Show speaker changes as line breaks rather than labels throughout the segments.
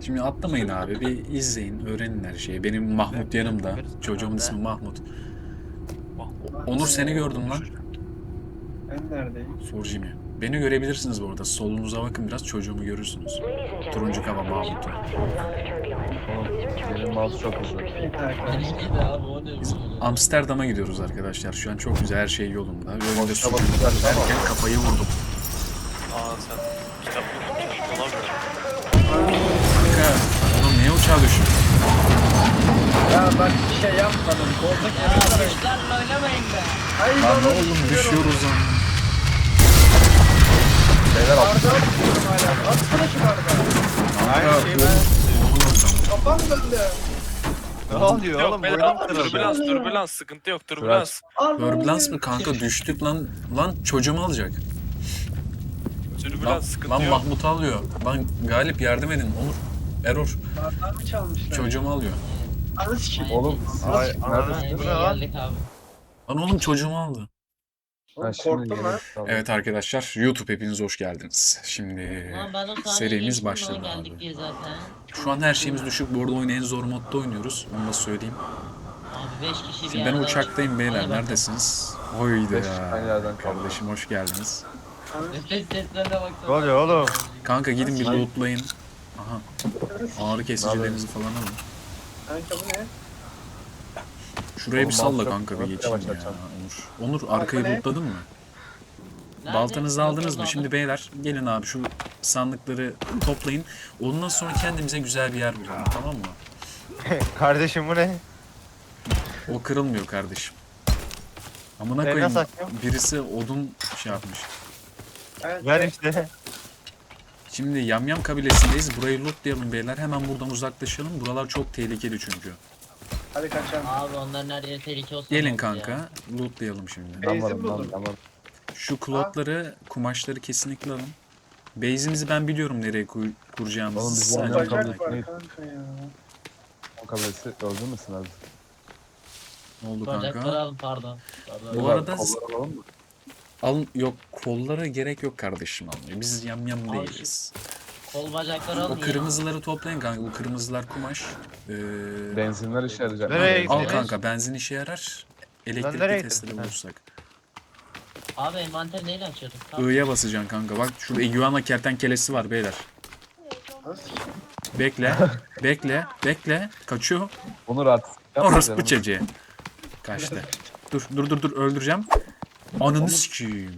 Şimdi atlamayın abi. Bir izleyin, öğrenin her şeyi. Benim Mahmut yanımda. Çocuğumun ismi Mahmut. Onur seni gördüm lan.
Ben neredeyim?
Sor Jimmy. Beni görebilirsiniz bu arada. Solunuza bakın biraz çocuğumu görürsünüz. Turuncu kaba Mahmut'u.
Benim mouse çok hızlı.
Bir dakika.
Benimki de abi o ne
Biz
böyle?
Amsterdam'a gidiyoruz arkadaşlar. Şu an çok güzel, her şey yolunda. Önümde
Boşuna
sucuk
bakacak ama.
derken kafayı vurdum.
Aa sen kitap olamıyor.
Kanka, oğlum niye uçağa düştün?
Ya bak bir şey yapmadım. Koltuk
Ya
yemek
kuşlarla oynamayın be.
Hayır
Lan
oğlum,
oğlum düşüyoruz lan.
Beyler al.
Bardağı tutuyorum hala. Atsana şu bardağı.
Kanka, oğlum,
Kafam döndü.
Ne oluyor
Yok
oğlum?
beyler,
Boynum kırıldı.
türbülans sıkıntı yok türbülans.
Turbulans mı kanka, düştük lan. Lan çocuğumu alacak. Lan,
Türbülans sıkıntı
lan
yok.
Mahmut'u alıyor. Lan Galip yardım edin. Onur. Error.
Bardağımı çalmışlar.
Çocuğumu alıyor.
Anı sikeyim.
Oğlum
Ay,
siz
Ay,
neredesiniz?
buraya geldik abi.
Lan oğlum çocuğumu aldı.
Oğlum
şimdi
korktum lan.
Evet arkadaşlar, YouTube hepiniz hoş geldiniz. Şimdi
Lan ben o sahneyi
serimiz
geçtim
başladı
lan geldik
abi.
diye zaten.
Şu an her şeyimiz düşük. Bu arada oyunu en zor modda oynuyoruz. Onu da söyleyeyim.
Abi 5 kişi bir
Şimdi ben
yerde
uçaktayım
var.
beyler.
Hadi bakalım.
Neredesiniz? Oydu
Beş
ya.
tane yerden kaldı.
Kardeşim hoş geldiniz.
Nefes seslerine baksana.
Ne oluyor oğlum?
Kanka gidin bir
Ay.
lootlayın. Aha. Ağrı kesicilerinizi falan alın.
Kanka bu ne?
Şuraya bir
Oğlum,
salla
mouse
kanka bir
yok,
geçeyim
yavaş
ya.
açalım.
Onur. Onur arkayı
ne?
lootladın mı?
Nerede?
Baltanızı
Yok,
aldınız
yok,
mı?
aldım.
Şimdi beyler gelin abi şu sandıkları toplayın. Ondan sonra kendimize güzel bir yer bulalım, tamam mı?
Kardeşim bu ne?
O kırılmıyor kardeşim. Amına
Ben
koyayım,
nasıl açıyorum?
birisi odun şey yapmış.
Ver işte.
Şimdi Yamyam kabilesindeyiz. Burayı lootlayalım beyler. Hemen buradan uzaklaşalım. Buralar çok tehlikeli çünkü.
Hadi kaçalım.
Abi onların her yeri tehlike olsun.
Gelin
oldu
kanka.
ya.
Lootlayalım şimdi.
Ben
Benzin
varım
buldum.
ben varım.
Şu klotları, kumaşları kesinlikle alın. Base'imizi ben biliyorum nereye
Oğlum
kuracağımızı.
biz
Sen
Yamyam
de
Bacak
kabilesi-
var
ne?
kanka ya.
O kabilesi öldü müsün abi?
Ne oldu
Bacakları
kanka?
alın pardon. Pardon.
Bu arada
Kolları alalım mı?
alın, yok kollara gerek yok kardeşim almaya. Biz yamyam
Abi
değiliz.
Kol bacakları alın
O kırmızıları toplayın kanka. Bu kırmızılar kumaş.
Benzinler işe yarayacak.
Nereye
Al
gittiniz?
kanka, benzin işe yarar. Elektrikli
nereye
testere
gittim?
bulursak.
ya. Abi envanter neyle açıyorduk? Tamam.
I'ya basacaksın kanka. Bak şurada iguana kertenkelesi var beyler.
Nasıl sikeyim?
Bekle. Bekle. Kaçıyor.
Onur artık.
Orospu çocuğu. Kaçtı. Dur öldüreceğim. Ananı sikeyim.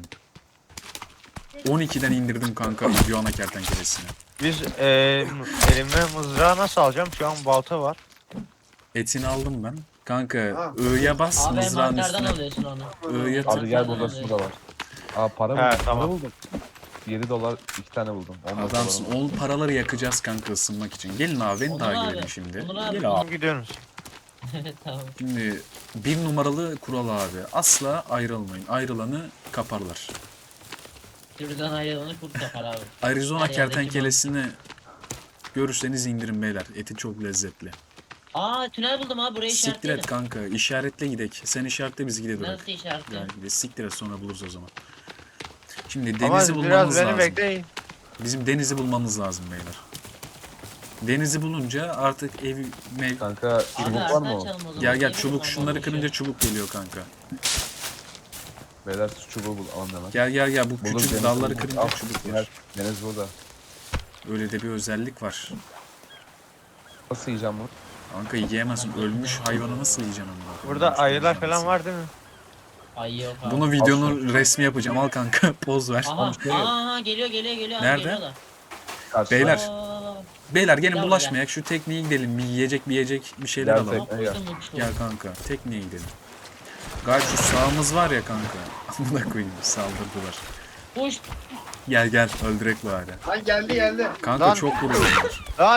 12'den indirdim kanka iguana kertenkelesini.
Biz elime mızrağı nasıl alacağım? Şu an balta var.
Etini aldım ben. Kanka
Ha.
I'ya bas,
Abi
mızrağın
envanterden
üstüne.
alıyorsun onu.
I'ya
Abi
tık.
gel burada su da var. Aa para
He,
buldum.
tamam.
Para buldum. 7 dolar 2 tane buldum. 10
Adamsın. O paraları yakacağız kanka ısınmak için. Gelin abi beni
Onur
takip
abi,
edin şimdi.
Onur abi.
Gel abi.
Şimdi gidiyoruz.
Tamam.
Şimdi bir numaralı kural abi. Asla ayrılmayın. Ayrılanı kaparlar.
Sürüden ayrılanı kurt kapar abi.
Arizona
Her yerdeki
kertenkelesini görürseniz indirin beyler. Eti çok lezzetli.
Aa tünel buldum abi burayı
Siktir
işaretledim.
et kanka. İşaretle gidek. Sen işaretle biz gidelim.
Nasıl işaretledim?
Yani gidelim. Siktir et, sonra buluruz o zaman. Şimdi
Ama
denizi
biraz
bulmamız
beni
lazım.
bekleyin.
Bizim denizi bulmamız lazım beyler. Denizi bulunca artık ev mev...
Kanka
Abi
çubuk var
Ersen
mı?
açalım o zaman.
Gel
Gelin
çubuk,
o zaman,
şunları
boşver.
kırınca çubuk geliyor kanka.
Beyler şu çubuğu bul alın hemen.
Gel bu
Bulur,
küçük
deniz
dalları
bulur.
kırınca
Al,
çubuk
gel.
var.
Deniz burada.
Öyle de bir özellik var.
Nasıl yiyeceğim bunu?
Kanka yiyemezsin. Ölmüş hayvanı nasıl yiyeceksin onu?
Burada
Ölmüş
ayılar
hayvanı
falan var değil mi?
Ay yok abi.
Bunu videonun resmi yapacağım. Al kanka poz ver.
Aha geliyor abi,
Nerede?
geliyorlar.
Karşıda.
Beyler.
Aa,
Beyler gelin
Gel
bulaşmayak. Şu tekneye gidelim. Bir yiyecek bir şeyler
Gel
alalım.
ama
Gel.
koydum uçtu.
Gel kanka. Tekneye gidelim. Gayet şu sağımız var ya kanka. Amına koyayım, saldırdılar.
Uç.
Gel öldürek bari.
Lan geldi.
Kanka
Lan.
çok vuruyorlar.
Lan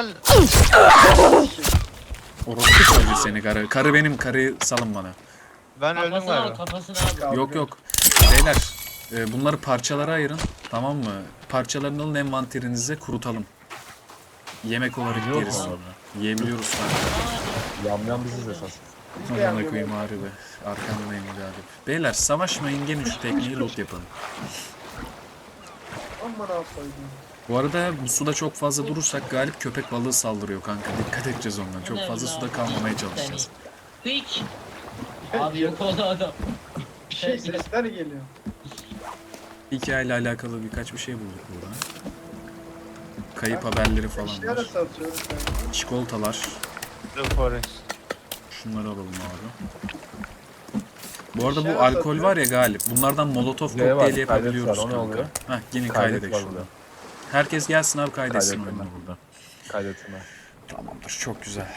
Orospu çocuğu seni karı. Karı benim, karıyı salın bana.
ben öldüm
Kafasını al
galiba.
kafasını al.
Yok. Beyler bunları parçalara ayırın. Tamam mı? Parçalarını alın, envanterinize kurutalım. Yemek olarak
Yiyor
yeriz
mu?
sonra. Yiyebiliyoruz kanka.
Yamyam biziz esas.
Amına koyayım harbi. Arkamdayım Galip. Beyler savaşmayın, gelin şu tekneyi loot yapalım.
Aman koydum.
Bu arada bu suda çok fazla durursak Galip köpek balığı saldırıyor kanka. Dikkat edeceğiz ondan. Çok fazla suda kalmamaya çalışacağız.
Hiç. Abi yok oldu adam.
Bir şey sesler geliyor.
Hikayeyle alakalı birkaç bir şey bulduk burada. Kayıp haberleri falan
İşler de
var.
satıyoruz yani.
Çikolatalar.
The Forest.
Şunları alalım abi. Bu arada bu
İşler
alkol
satıyor.
var ya Galip. Bunlardan molotof
Ne var?
kokteyli
Kaydet
yapabiliyoruz
var, o ne
kanka.
oluyor?
Heh, gelin
Kaydet
kaydedek
var
şurada.
burada.
Herkes gelsin abi kaydetsin
Kaydettim
oyunu
ben.
burada.
Kaydetme.
Tamamdır, çok güzel.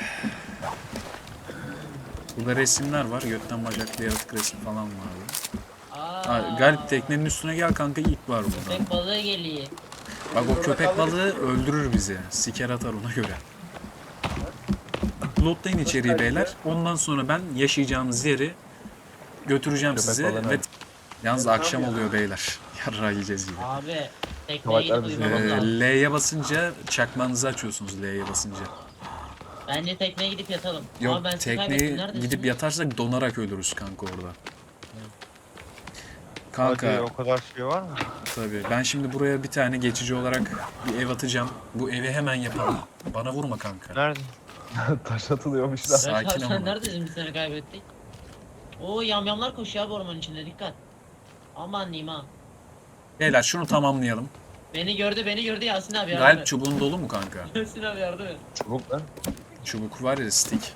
Burada resimler var. Götten bacaklı yaratık resmi falan var.
Aa,
Galip teknenin üstüne gel kanka, ilk var burada.
Köpek balığı geliyor.
Bak o köpek balığı öldürür bizi. Siker atar ona göre. Lootlayın içeriği beyler. Ondan sonra ben yaşayacağımız yeri götüreceğim
Köpek
sizi.
balığı
Ve...
nerede?
Yalnız
Tamam
akşam
ya.
oluyor beyler. Yarrağı yiyeceğiz gibi.
Abi tekneye
Salaklar
gidip
bizi
uyumamız lazım.
L'ye basınca çakmanızı açıyorsunuz L'ye basınca.
Bence tekneye gidip yatalım.
Yok
Ama ben sizi kaybettim.
tekneyi
Neredesiniz?
gidip yatarsak donarak ölürüz kanka orada.
Hadi
Kanka
o kadar şey var mı?
tabii ben şimdi buraya bir tane geçici olarak bir ev atacağım. Bu evi hemen yapalım. Bana vurma kanka.
Nerede?
Taş atılıyormuş da.
Sakin
Sakin
ama.
sen neredesin, biz seni kaybettik? Oo yamyamlar koşuyor abi ormanın içinde, dikkat. Aman diyeyim ha.
Beyler şunu tamamlayalım.
Beni gördü Yasin abi yardım
Galip
et.
çubuğun dolu mu kanka?
Yasin abi yardım et.
Çubuk lan.
Çubuk var ya, stick.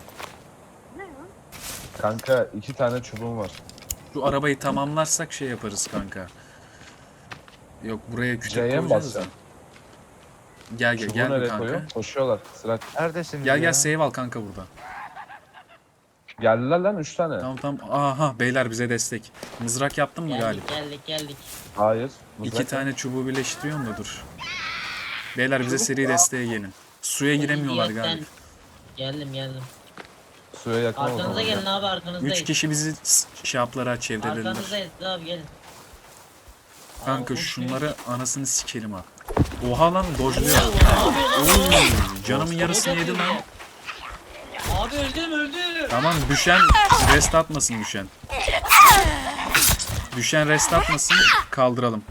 Kanka 2 tane çubuğum var.
Şu arabayı tamamlarsak şey yaparız kanka. Yok buraya küçük
C'ye mi
koyacağız da.
basacağım?
Gel
Çubuğu
gel bir
nereye
kanka.
koyuyorum? Koşuyorlar. Sıra.
Neredesiniz
Gel
ya?
gel save al kanka burada.
Geldiler lan 3 tane.
Tamam tamam. Aha beyler bize destek. Mızrak yaptın mı Galip?
Geldik.
Hayır.
İki tane çubuğu birleştiriyorum da dur. Beyler bize seri desteğe gelin. Suya giremiyorlar
İdiyetten-
Galip.
Geldim.
Suya yakın o
Arkanıza
zaman.
gelin abi, arkanızdayız.
3 kişi bizi şaplara çevrelediler.
Arkanızdayız abi, gelin.
Kanka
Aa,
şunları anasını sikelim ha. Oha lan dojluyor.
Abi,
Oo, canımın yarısını yedi lan.
abi öldüm.
Tamam düşen rest atmasın düşen. Düşen rest atmasın, kaldıralım.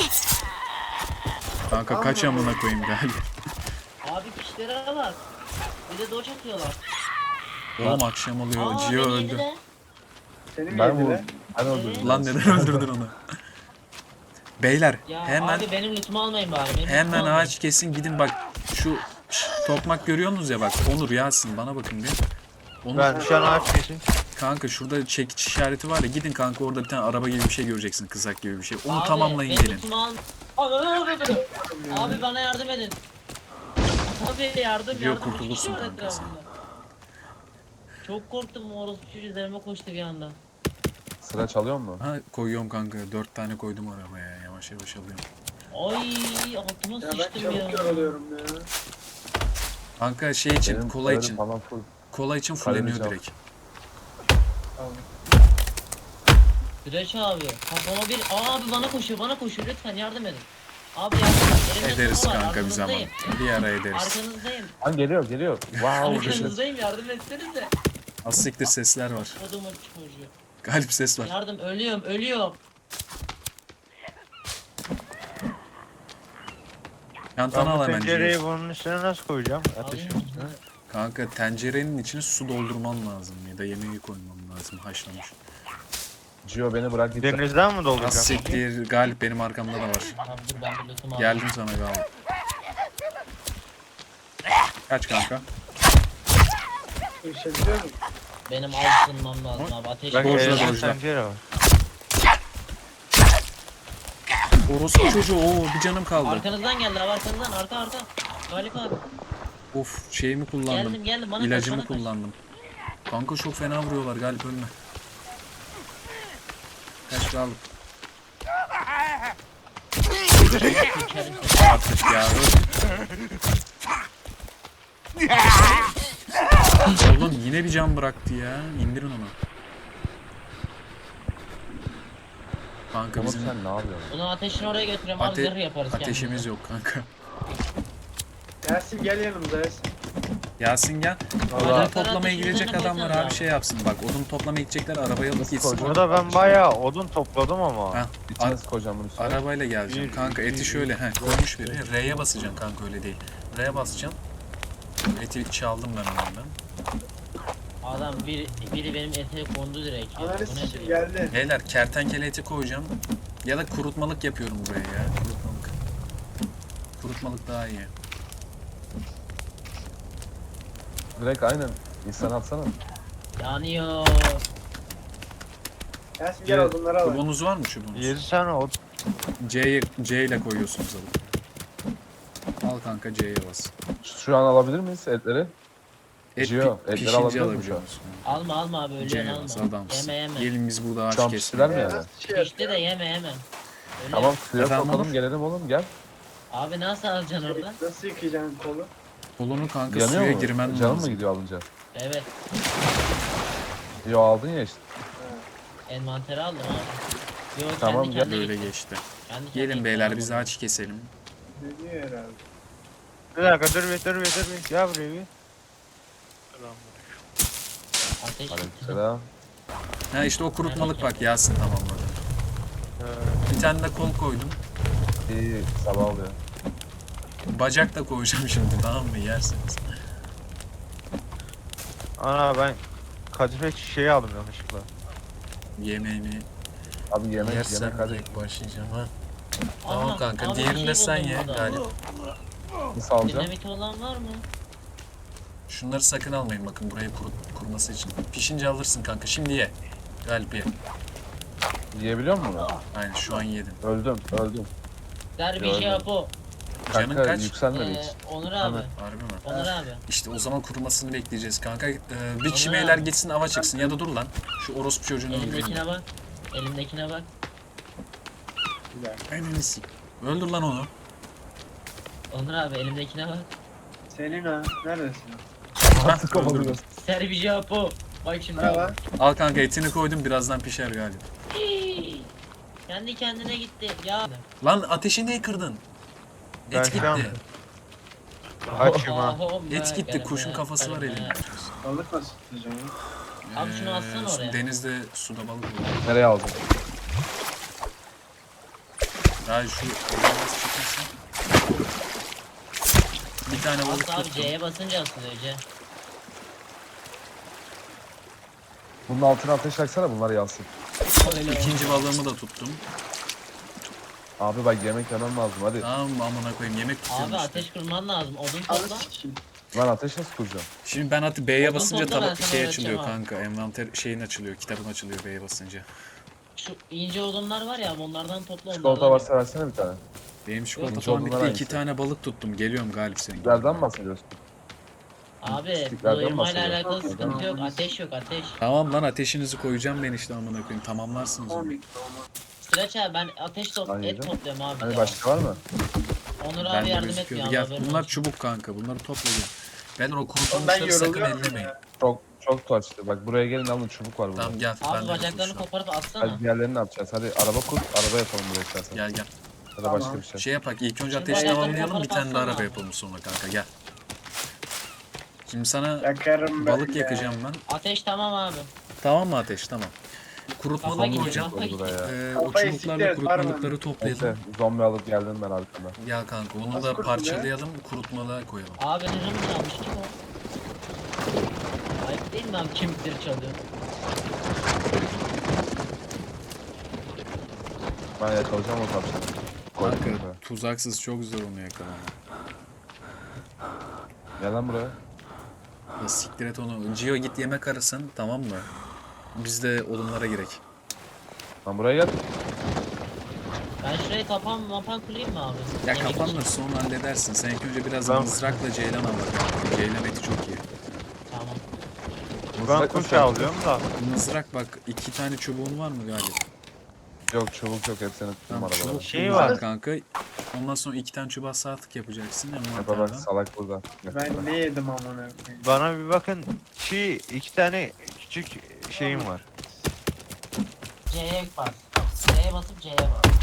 Kanka kaç amına koyayım galiba.
Abi pişlere bak. Bir de doç atıyorlar.
Oğlum akşam oluyor.
Aa,
Gio
beni
öldü.
yediler.
Seni mi
Ben
yediler?
vurdum. Ben öldürdüm.
Lan neden öldürdün onu? Beyler
Ya
hemen
abi benim lütfumu almayın bari. Benim
hemen
lütfumu almayın.
ağaç kesin gidin bak. Şu tokmak görüyorsunuz ya bak. Onur Yasin bana bakın bir. Onur
Ben şu an ağaç kesin.
kanka şurada çekiç işareti var ya, gidin kanka orada bir tane araba gibi bir şey göreceksin, kızak gibi bir şey. Onu
Abi,
tamamlayın
benim
gelin.
lütfumu Abi bana yardım edin. Abi yardım.
Diyor, kurtulursun
Şu
kanka sen.
etrafında. Çok korktum, o orospu çocuğu üzerime koştu bir anda.
Sıra çalıyor mu?
Ha koyuyorum kanka, 4 tane koydum arabaya, yavaş yavaş alıyorum.
Ay altıma
Ya ben
sıçtım
çabuk
ya.
yoruluyorum ya.
Kanka şey için,
Benim
kola
sıralarım
için.
Falan full.
Kola için fulleniyor
Kaybedeceğim.
direkt.
Tamam.
Süreç abi. Kafama bir... Abi bana koşuyor lütfen yardım edin. Abi yardım edin. Elimde
Ederiz
su var,
kanka bir zaman.
arkanızdayım.
Bir ara ederiz.
Arkanızdayım.
Lan geliyor. Wow.
Arkanızdayım, yardım etsenize.
Az siktir sesler var.
Kodumun çocuğu.
Galip ses var.
Yardım, ölüyorum.
Yantana
Ben
al
bu
hemen.
tencereyi
Gio.
bunun üstüne nasıl koyacağım? Ateşin
Alayım.
üstüne.
Kanka tencerenin içine su doldurman lazım ya da yemeği koyman lazım haşlamış.
Gio beni bırak git.
Denizden mi
Az
dolduracağım?
siktir, Galip benim arkamda da var.
Abi dur ben bir lütfumu alayım.
Geldim sana Galip. Kaç kanka?
Düşebiliyor muyum?
Benim altınmam lazım abi. Ateş
Bak
Dojla,
elimde
dojla.
tencere var.
Orospu çocuğu, oo bir canım kaldı.
Arkanızdan geldi abi, arkanızdan, arka. Galip abi.
Of şeyimi kullandım.
Geldim bana
İlacımı
kaç, bana kaç.
kullandım. Kanka çok fena vuruyorlar, Galip ölme. Kaç Galip.
İçerim seni.
Artık ya Oğlum yine bir can bıraktı ya. İndirin onu. Kanka
Umut
bizim
sen ne yapıyorsun?
Bunu ateşin oraya götürüyorum abi, zırh yaparız
ateşimiz
kendimize.
yok kanka.
Yasin gel yanımıza Yasin.
Yasin gel. Odun
Vallahi-
toplamaya
Ateşin
gidecek
üzerine
adamlar
koysana
abi
abi.
şey yapsın. Bak odun toplamaya gidecekler arabayı alıp
Nasıl
gitsin.
koyacağım?
Burada ben bayağı odun topladım ama.
Ha,
İçine koyacağım bunu üstüne.
arabayla geleceğim.
Bir-
Kanka eti
bir-
şöyle koymuş biri. R'ye basacaksın kanka öyle değil. R'ye basacaksın. Eti çaldım ben ondan.
Adam biri benim etime kondu direkt. Ya.
Ananı
Bu
sikim
nedir?
geldi.
Beyler kertenkele eti koyacağım. Ya da kurutmalık yapıyorum buraya ya. Kurutmalık. Kurutmalık daha iyi.
Direkt aynen. İnsan atsana.
Yanıyor.
Yasin gel odunları al.
Çubuğunuz var mı çubuğunuz?
7 tane odun.
C ile koyuyorsunuz alıp. Al kanka C'ye bas.
Şu an alabilir miyiz etleri?
Et
Gio, etleri
pişince
alabiliyor musun
alabiliyor
şu an?
musun?
Alma abi öyle
C'ye
alma.
bas adamsın.
Yeme yeme.
Gelin biz burada ağaç
Şu an
keselim.
piştiler mi yani?
Nasıl şey
Pişti de yeme. Öyle
Tamam
yap.
suya
Efendim
sokalım
Onur?
gelelim oğlum gel.
Abi nasıl alacaksın orada?
Nasıl yıkayacaksın kolu?
Kolunu kanka
Yanıyor
suya
mu?
girmen
Canım mı
lazım.
gidiyor alınca?
Evet.
Yo aldın ya işte.
Envanteri aldım abi. Yo
Tamam,
kendi
gel.
kendine
Böyle
gitti.
geçti.
Kendi kendine
Gelin
gitti
beyler
abi.
biz ağaç keselim.
Ne diyor herhalde?
Bir dakika dur bir. Gel buraya bir.
Ateş gitti.
Aleykümselam.
Ha işte o kurutmalık bak Yasin tamamladı. Bir tane de kol koydum.
İyi sabah oluyor.
Bacak da koyacağım şimdi tamam mı yersiniz.
Ana ben kadife çiçeği aldım yanlışlıkla.
Yemeğini
Abi yemek
yersen
hadi.
direkt başlayacağım ha. Tamam
Aha,
kanka
abi bir
diğerini
şey
de sen
buldum
ye
burada.
Galip.
Nasıl alacağım?
Dinamit olan var mı?
Şunları sakın almayın bakın burayı kurması için. Pişince alırsın kanka şimdi ye. Galip ye.
Yiyebiliyor musun bunu?
Aynen şu an yedin.
Öldüm.
Derbi
Gördüm.
şey yap o.
Canın
Kanka
kaç?
yükselmedi hiç.
Onur abi.
Hemen.
Harbi mi?
Onur abi.
İşte o zaman kurumasını bekleyeceğiz kanka. Bir kişi
Ana.
beyler gitsin ava çıksın ya da dur lan. Şu orospu çocuğunu öldüreyim.
Elimdekine bak. Elimdekine bak.
Bir dakika.
Eminisi. Öldür lan onu.
Onur abi elimdekine bak.
Senin ha. Neredesin?
Hah, öldürdüm.
Kovalıyoruz.
Serbi şey yap o. Bak şimdi.
Merhaba.
Al kanka etini koydum birazdan pişer Galip.
Hii. Kendi kendine gitti. Ya.
Lan ateşi niye kırdın?
Ben
Et
şu an-
gitti.
Açım ha.
Et gitti. Kuşun kafası var elimde.
Balık nasıl tutacağım?
Abi şunu atsana oraya.
Denizde suda balık olur.
Nereye aldın?
Ya şu biraz çıkmasın. Bir tane balık
Aslı abi
tuttum.
C'ye basınca asılıyor C.
Bunun altına ateş yaksana bunlar yansın.
Öyle
İkinci balığımı da tuttum.
Abi bak yemek yemem lazım hadi.
Tamam mı amına koyayım yemek tutuyorum
Abi
işte.
ateş kurman lazım. Odun
Anı
topla.
sikeyim.
Lan ateş nasıl kuracağım?
Şimdi ben B'ye
Odun
basınca
topla, ben
tabak
sana
şey
öğreteceğim
açılıyor
abi.
kanka. Envanter şeyin açılıyor. Kitabın açılıyor B'ye basınca.
Şu ince odunlar var ya onlardan topla
Çikolata
onlardan.
varsa versene bir tane.
Benim çikolata
Yok,
falan
odunlar
bitti.
hangisi?
2 tane balık tuttum. Geliyorum Galip senin.
Stiklerden mi bahsediyorsun?
Abi
Stiklerden
doyurmayla
bahsediyor.
alakalı
Yok,
sıkıntı yok.
yok.
Ateş yok ateş.
Tamam lan ateşinizi koyacağım ben işte amına koyayım. Tamamlarsınız onu.
Komik.
Sıraç abi ben ateş
Ay,
et
yedim.
topluyorum abi.
Hani
ya.
başka var mı?
Onur
Ben
abi
de
yardım
gözüküyordu.
etmiyor
Gel
abi.
bunlar çubuk kanka. Bunları topla gel. Ben o
Oğlum ben
kurutulmuşları sakın
yoruluyorum
ellemeyin.
ya.
Çok tuhaçtı. Bak buraya gelin alın çubuk var burada.
Tamam gel. ben
Abi
de
bacaklarını
yapayım şu an.
koparıp atsana.
Hadi diğerlerini ne yapacağız? Hadi araba kur, araba yapalım buraya istersen.
Gel gel.
Ya da başka
Tamam.
bir şey.
Şey yapak ilk önce
Şimdi
ateşi
bacaklarını
tamamlayalım bir
koparıp
tane de araba
atsana.
yapalım sonra kanka gel. Şimdi sana
Yakarım ben
balık
ya.
yakacağım ben.
Ateş tamam abi.
Tamam mı ateş? Tamam.
Kafa
Kurutmalık
gidiyor,
koyacağım.
kafa gidiyor.
Buraya.
O
Kafayı
çubuklarla
siktir et, var mı?
kurutmalıkları toplayalım.
Neyse zombi alıp geldim ben arkamda.
Gel kanka onu
Nasıl
da
kurtuluyor?
parçalayalım kurutmalığa koyalım.
Abi hızım çalmış kim o? Ayıp değil mi abi kemikleri çalıyor?
Ben yakalayacağım o tavşanı. Koydum
Kanka
buraya.
tuzaksız çok zor onu yakalamak.
Gel lan buraya.
Ya siktir et onu. Gio git yemek arasın tamam mı? Biz de odunlara girek.
Lan buraya gel.
Ben şurayı kapan kurayım mı abi?
Ya
Yemek
kapanır
için.
sonra halledersin. Sen ilk önce biraz
Ben-
mızrakla ceylan al bakalım. Ceylan eti çok iyi.
Tamam.
Ben
Mızrak
kuş
mı?
alıyorum da.
Mızrak bak 2 tane çubuğun var mı Galip?
Yok çubuk yok hepsini tuttum
Tamam
arabada.
çubuk
Şey
var
var.
kanka. Ondan sonra 2 tane çubuğa sağ tık yapacaksın.
Yapa bak
Envanterden.
salak burada.
Ben ne yedim amına koyayım?
Bana bir bakın. İki tane küçük şeyim var.
C'ye bas. C'ye basıp C'ye bas.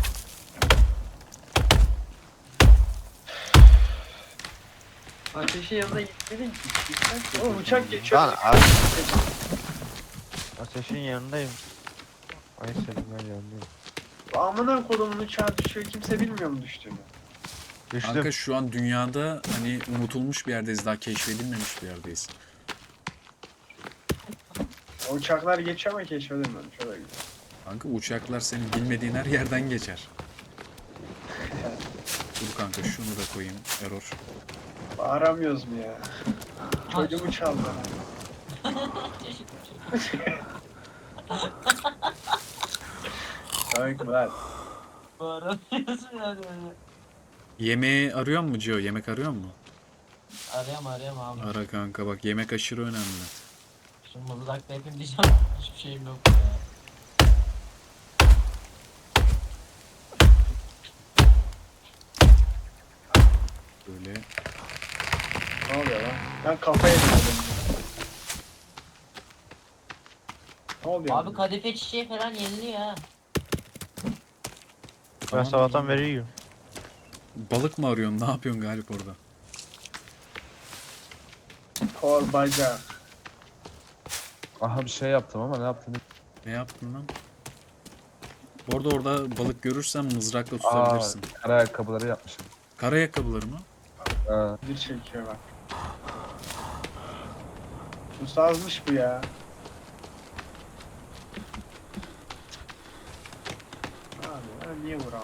Ateşin yanına gitmedin ki. Gitsen. Oğlum uçak geçiyor.
Lan ateşin yanındayım. Ay senin ben yanındayım.
Amına kodumun uçağı düşüyor. Kimse bilmiyor mu düştüğünü?
Düştüm.
Kanka şu an dünyada hani unutulmuş bir yerdeyiz. Daha keşfedilmemiş bir yerdeyiz.
O uçaklar geçiyor ama keşfedilmemiş. O da güzel.
Kanka uçaklar senin bilmediğin her yerden geçer. Dur kanka şunu da koyayım. Error.
Bağıramıyoruz mu ya? Çocuğumu çaldı. Komik mi lan?
Bağıramıyorsun yani öyle.
Yemeği arıyor mu Cio? Yemek arıyor mu?
Arayam abi.
Ara kanka bak yemek aşırı önemli.
Şu mızrakla yapayım diyeceğim. Hiçbir şeyim yok ya.
Böyle
Ne oluyor lan? Ben kafaya yedim. Ne oluyor?
Abi kadife çiçeği falan yeniliyor ha.
Ben sabahtan beri yiyorum.
balık mı arıyorsun? Ne yapıyorsun Galip orada?
Kol, bacak.
Aha bir şey yaptım ama ne yaptım?
Ne yaptın lan? Orada balık görürsen mızrakla
Aa,
tutabilirsin.
kara ayakkabıları yapmışım.
Kara ayakkabıları mı?
Ha.
Bir çekiyor bak. Bu sazmış bu ya. Abi ben niye vuramıyorum?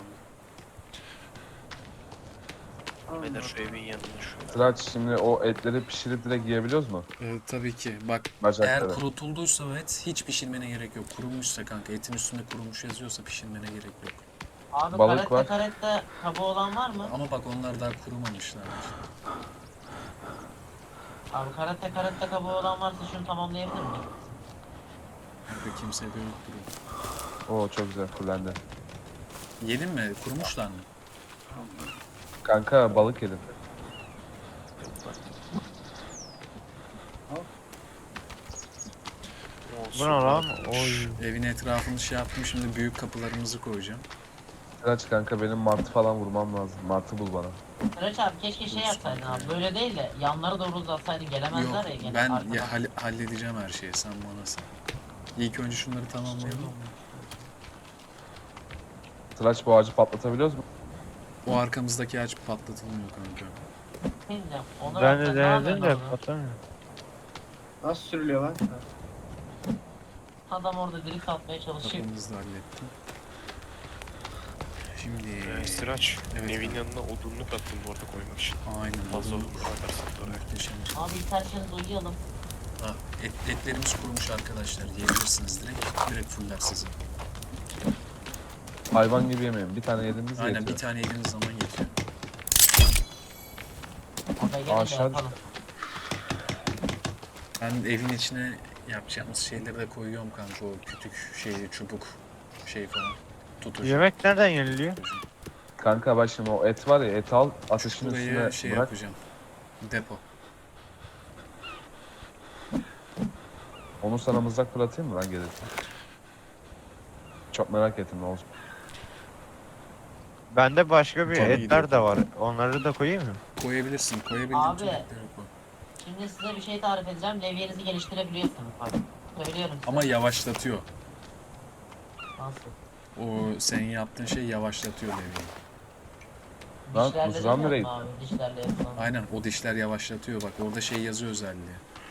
Beyler şu evin yanında şu.
Sıraç şimdi o etleri pişirip direkt yiyebiliyoruz mu?
Tabii ki. Bak
Bacakları.
eğer kurutulduysa o et hiç pişirmene gerek yok. Kurumuşsa kanka etin üstünde kurumuş yazıyorsa pişirmene gerek yok.
Abi
Balık var.
karette kabuğu olan var mı?
Ama bak onlar daha kurumamışlar.
Abi karette kabuğu olan varsa şunu tamamlayabilir miyim?
Kanka kimse de yok duruyor.
Oo çok güzel fullendi.
Yedin mi? Kurumuşlar mı?
Kanka balık yedim.
Bu ne lan? Oy.
Evin etrafını şey yaptım şimdi büyük kapılarımızı koyacağım.
Sıraç kanka benim martı falan vurmam lazım. Martı bul bana.
Sıraç abi keşke şey yapsaydın abi. Böyle değil de yanları doğru uzatsaydın gelemezler ya
Yok
gene
ben
arkadan.
halledeceğim her şeyi sen bana sen. İlk önce şunları tamamlayalım.
Sıraç bu ağacı patlatabiliyoruz mu?
O arkamızdaki ağaç patlatılmıyor kanka.
Ne diyeceğim? Onu
Ben de
yapsak ne
denedim
yapıyorsun
de
abi?
patamıyor.
Nasıl sürülüyor lan?
Adam orada drift atmaya çalışıyor.
Kapımızı da hallettim. Şimdi
Sıraç.
Evet,
Evin
abi.
yanına odunluk attım bu arada koymak için.
aynen
Fazla
olur.
odun atarsak da oraya.
Muhteşem.
Abi isterseniz uyuyalım.
Ha, etlerimiz kurumuş arkadaşlar. Yiyebilirsiniz direkt fuller sizi.
Hayvan gibi yemeyin. Bir tane yediğimiz
Aynen
yetiyor.
bir tane yediğiniz zaman yetiyor.
Abi gelin de
Aşağı
yapalım.
Ben evin içine yapacağımız şeyleri de koyuyorum kanka. O kütük şeyi, çubuk şey falan. Tutucu.
Yemek nereden yeniliyor?
Kanka bak şimdi o et var ya et al ateşin
Şurayı
üstüne
şey
bırak.
yapacağım. Depo.
Onu sana mızrak fırlatayım mı lan gelirken? Çok merak ettim ne olacak.
Bende başka bir
Tabii
etler
gidiyor.
de var. Onları da koyayım mı?
Koyabilirsin. Koyabildiğin
Abi.
tüm etleri koy.
Şimdi size bir şey tarif edeceğim. Levyenizi geliştirebiliyorsunuz bak. Söylüyorum size.
Ama yavaşlatıyor.
Nasıl?
O senin yaptığın şey yavaşlatıyor levyeyi.
Lan,
Dişlerle
mızrağım
değil
nereye
mi abi? Dişlerle yapılan.
Aynen o dişler yavaşlatıyor. Bak orada şey yazıyor özelliği.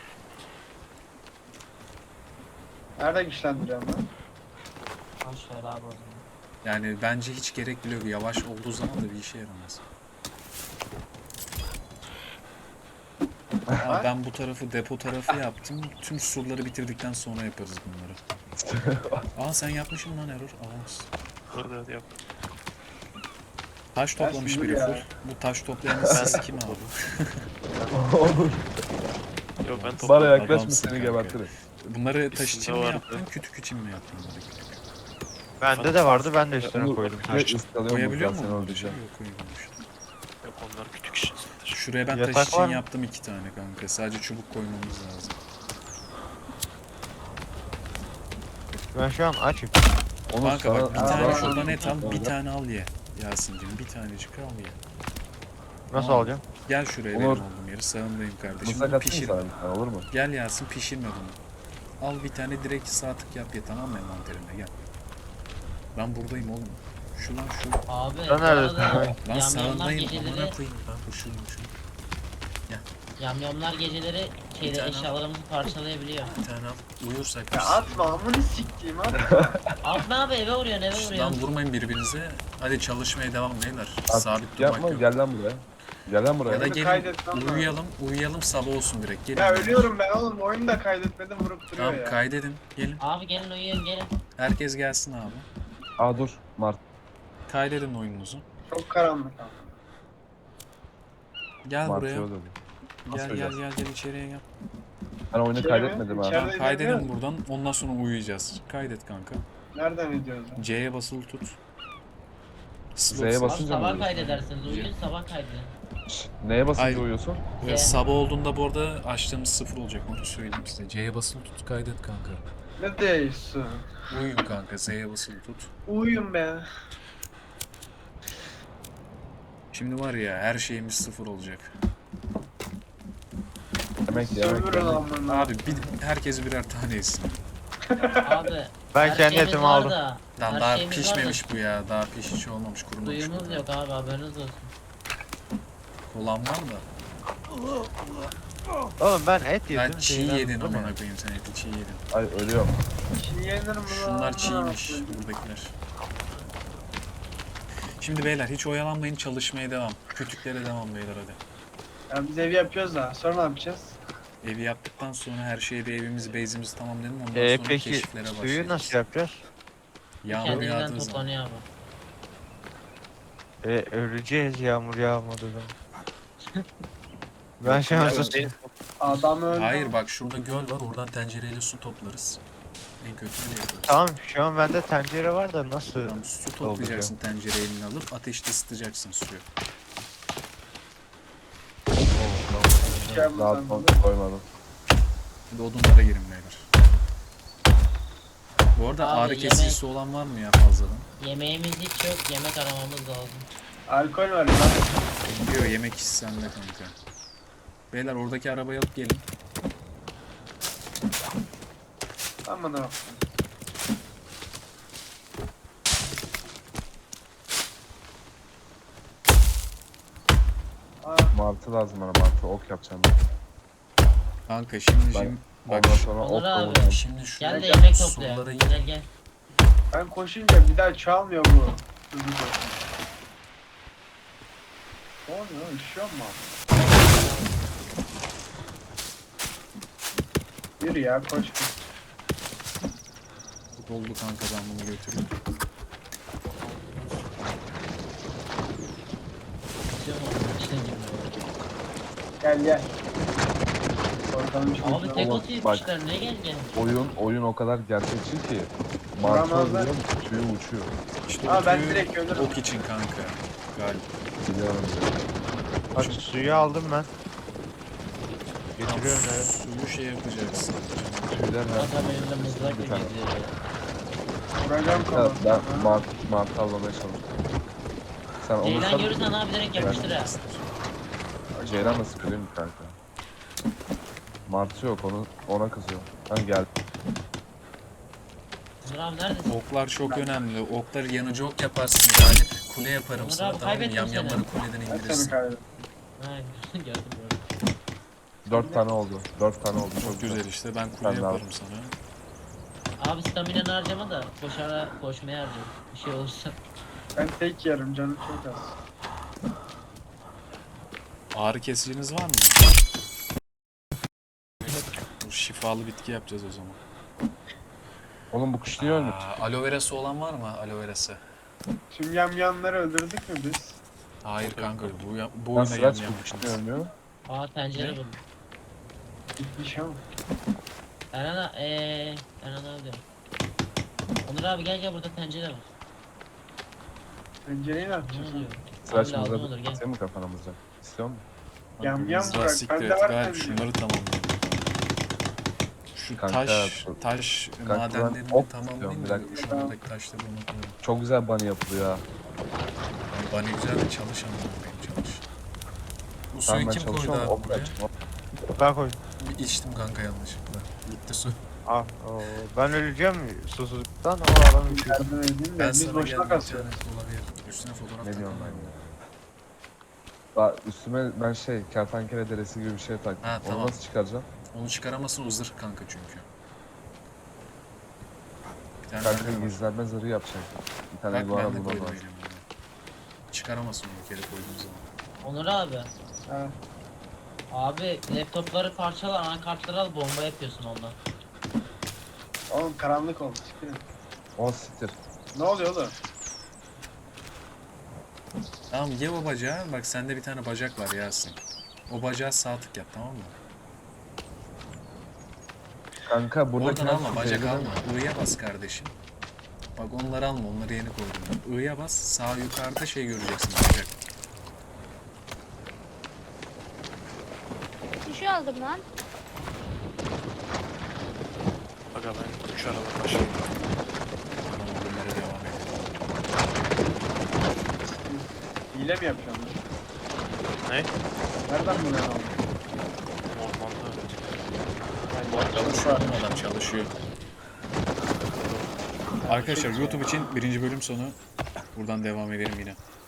Nerede güçlendiriyorum lan?
Boş ver abi o zaman.
Yani bence hiç gerek bile yok. Yavaş olduğu zaman da bir işe yaramaz. Ama ben bu tarafı depo tarafı yaptım. Tüm surları bitirdikten sonra yaparız bunları. Aa sen yapmışsın lan Error. Aa.
Hadi yap.
Taş toplamış
Dersin
biri
dur ya.
full. Bu taş toplayanın siz kim abi?
Olur.
Yok ben
Bana
topladım.
yaklaşma
Adamsın
seni
kanka.
gebertirim.
Bunları taş
İçinde
için mi
vardı.
yaptın, kütük için mi yaptın bunları?
Bende de vardı ben de üstüne
Onu
koydum.
ne ıskalıyorum
Koyabiliyor
buradan
mu?
seni
Yok
öldüreceğim.
koymamış.
Yok onlar küçük işin sadece.
Şuraya ben
Yatak
taş için
var mı?
yaptım 2 tane kanka. Sadece çubuk koymamız lazım.
Ben şu an açım.
Onu
Kanka bak bir
sana-
tane
Aa,
şuradan et al, bir
Olacak.
tane al ye. Yasin'cim bir tanecik al ye.
Nasıl
Tamam.
alacağım?
Gel şuraya
Olur.
benim oğlum Hayır sağındayım kardeşim.
Mızrak
Bunu
atayım
pişirme.
sana bir tane, olur mu?
Gel Yasin pişirme bunu. Al bir tane direkt sağ tık yap ya, tamam mı envanterine, gel. Ben buradayım oğlum. Şu lan şu.
Abi
Sen
bu
neredesin?
arada
Lan
yamyamlar
sağındayım.
geceleri
Amına koyayım. Ben şu.
yamyamlar geceleri şeyde
tane al.
eşyalarımızı parçalayabiliyor.
Bir tane al. Uyursak
Ya
biz.
atma amını siktiğim atma.
Atma abi eve vuruyor eve
Şşt,
vuruyor.
lan vurmayın birbirinize. Hadi çalışmaya devam beyler.
Artık
Sabit
yapma,
durmak yok.
gel lan buraya. Gel lan buraya.
Ya da
Bunu
gelin
kaydetmem lazım.
uyuyalım sabah olsun direkt. Gelin.
Ya ölüyorum ben oğlum oyunu da kaydetmedim vurup duruyor
Tamam
ya.
kaydedin. Gelin.
Abi gelin uyuyun gelin.
Herkes gelsin abi.
Aa dur, Mart.
Kaydedin oyununuzu.
Çok karanlık ama.
Gel
Mart
buraya.
yol dedi. Nasıl
Gel
öleceğiz?
gel içeriye gel.
Ben oyunu
İçeri
kaydetmedim
mi?
ha.
İçeride
Kaydedin
izlemiyor
buradan. Ondan sonra uyuyacağız. Kaydet kanka.
Nereden ediyoruz lan?
C'ye basılı tut.
Z'ye
Slot-
Abi
basınca mı
sabah
uyuyorsun?
kaydedersiniz uyuyun sabah kaydedin.
Şşt, neye basınca
Hayır.
uyuyorsun?
Sabah olduğunda bu arada açtığımız sıfır olacak, onu söyleyeyim size. C'ye basılı tut, kaydet kanka.
Ne değilsin?
Uyuyun kanka, Z'ye basılı tut.
Uyuyun be.
Şimdi var ya, her şeyimiz sıfır olacak.
Yemek
Sömürün amına.
Abi herkes birer tane yesin.
Abi
Ben
her
kendi
şeyimiz
etimi
var
aldım.
da,
Lan
her
daha
şeyimiz var da
pişmemiş bu ya, daha hiç olmamış, kurumamış.
Suyumuz yok abi haberiniz olsun.
Kolan var da.
Oğlum ben et yedim.
Ben çiğ
şeyden
yedin
buldum ya.
amına koyayım, sen eti çiğ yedin.
Ay ölüyorum.
Çiğ yenir mi lan?
Şunlar çiğmiş, buradakiler. Şimdi beyler hiç oyalanmayın, çalışmaya devam. Kütüklere devam beyler hadi.
Ya biz ev yapıyoruz da sonra ne yapacağız?
Evi yaptıktan sonra her şeyi, bir evimizi, base'imizi tamamlayalım. Ondan sonra
Peki
keşiflere
suyu
başlayacağız.
nasıl yapacağız?
Yağmur
Kendinden
yağdığı zaman.
toplanıyor abi.
Öleceğiz yağmur yağmadı zaman. Ben şu an sus.
Adam öldü.
Hayır bak şurada göl var, oradan tencereyle su toplarız. En kötü öyle yaparız.
Tamam şu an bende tencere var da nasıl?
Tamam, su toplayacaksın, tencere eline alıp ateşte ısıtacaksın suyu.
Şey yapma
Daha
sen
son
bunu.
koymadım.
Şimdi odunlara girin beyler. Bu arada
Abi,
ağrı
yemek-
kesicisi olan var mı ya fazladan?
Yemeğimiz hiç yok yemek aramamız lazım.
Alkol var ya lan.
Diyor yemek işi sende kanka. Beyler oradaki arabayı alıp gelin.
Aman ha. Aa,
Martı lazım bana, martı. Ok yapacağım ben.
Kanka şimdi
Ben-
bak
Ondan sonra
Onur
ok
abi.
koyacağım.
şimdi şu
Gel de
Gel,
yemek
surlara
toplayalım.
in.
Gel gel.
ben koşunca bir daha çalmıyor bu. Hızlı koşun. Ne oluyor lan? Üşüyor mu? Yürü ya koş.
Doldu kanka, ben bunu götürüyorum.
Tutuyorum onu, içine girmiyor.
Gel gel. Oradan bir şey
Abi tek
Oğlum,
otu yetmişler ne gel gel.
Oyun o kadar gerçekçi ki. Martı
Vuramazlar.
oluyor, tüyü uçuyor.
İşte
Aa,
o
ben
tüyü
direkt ölürüm.
ok için kanka. Galiba.
Biliyorum.
Bak suyu aldım ben. Getiriyorum eve.
Suyu şey yapacaksın.
Tüyler her
Adam elinde mızrakla
Bir tane.
geziyor ya.
Vuracağım
Ya
kafasına.
ben martı avlamaya çalışıyorum. Sen onu
Ceylan görürsen abi direkt yapıştır ha.
Ceylan nasıl biliyor musun kanka? Martı yok, ona kızıyor. Ben geldim.
Onur abi neredesin?
Oklar çok önemli. Okları yanıcı ok yaparsın galip. Kule yaparım
Onur
sana,
abi,
tamam mı?
kaybettim
Yamyamları kuleden
Ben seni
indirirsin.
kaybettim.
Ha gördüm gördüm.
4 tane oldu. 4 tane oldu.
Çok güzel işte, ben kule
Ben de
yaparım sana.
Abi staminanı harcama da koşmaya harcama. Bir şey olursa.
Ben tek yerim canım çok az.
Ağrı kesiciniz var mı? Bu şifalı bitki yapacağız o zaman.
Oğlum bu kuş niye ölmüş?
Aloe verası olan var mı? Aloe verası.
Tüm yamyamları öldürdük mü biz?
Hayır kanka, bu
Ben
oyuna
sıraç
yam
kuş niye
yapmışsınız.
ölmüyor?
Aa tencere
Ne?
buldum.
Gitmiş ama.
Erhan abi diyorum. Onur abi gel burada tencere var.
Pencereyi ne
Ne
yapacağız?
oluyor?
Sıraç
Abi lazım olur
mızrak
gel.
atayım mı kafana mızrak? İstiyor musun?
Yam yam
Mızrağı
bırak,
siktir
bende
et,
var
galip
tabii.
şunları tamamlayalım. Şu
Kanka,
taş
ben
madenlerini
ok
tamamlayayım
istiyorum,
da
bir dakika.
şu andaki taşları unutuyorum.
Çok güzel bunny yapılıyor ha.
Bana güzel de çalış ama benim çalış. Bu
Tamam
suyu
ben
kim koydu
çalışıyorum.
abi
Ok
buraya?
açma.
Ben koydum.
Bir içtim kanka yanlışlıkla. Gitti su.
Ah, oo, ben öleceğim susuzluktan o adam içiyor.
Yardım edeyim de
Ben
biz
sana
boşuna
geldim
kasıyoruz.
internet olabilir. Üstüne fotoğraf
Ne diyorum ben
takalım.
ya? Bak üstüme ben kertenkele deresi gibi bir şey taktım.
Ha,
Onu
tamam.
nasıl çıkaracağım?
Onu çıkaramazsın, o zırh kanka çünkü. Bir tane
Kanka
mermi var.
gizlenme zırhı yapacak. Bir tane
Bak
iguana
ben de
bulmam
koydum
lazım.
elimde. Çıkaramazsın onu bir kere koyduğun zaman.
Onur abi.
Ha.
Abi laptopları parçala, anakartları al, bomba yapıyorsun ondan.
Oğlum karanlık oldu. Çıkın.
O siktir.
Ne oluyor oğlum?
Tamam, ye o bacağı. Bak sende bir tane bacak var Yasin. O bacağı sağ tık yap, tamam mı?
Kanka buradaki
Oradan alma, bacak alma. I'ya bas kardeşim. Bak onları alma, onları yeni koydum ben. I'ya bas, sağ yukarıda şey göreceksin, bacak.
Bir şey aldım lan.
Aga ben 3 araba başlayayım.
Tamam, bunlara devam edelim.
Hile mi yapıyorsun?
Ne?
Nereden buluyorsun oğlum?
Ormanda öğrenci.
Çalışıyor oğlum, adam çalışıyor. Arkadaşlar YouTube için birinci bölüm sonu. Buradan devam edelim yine.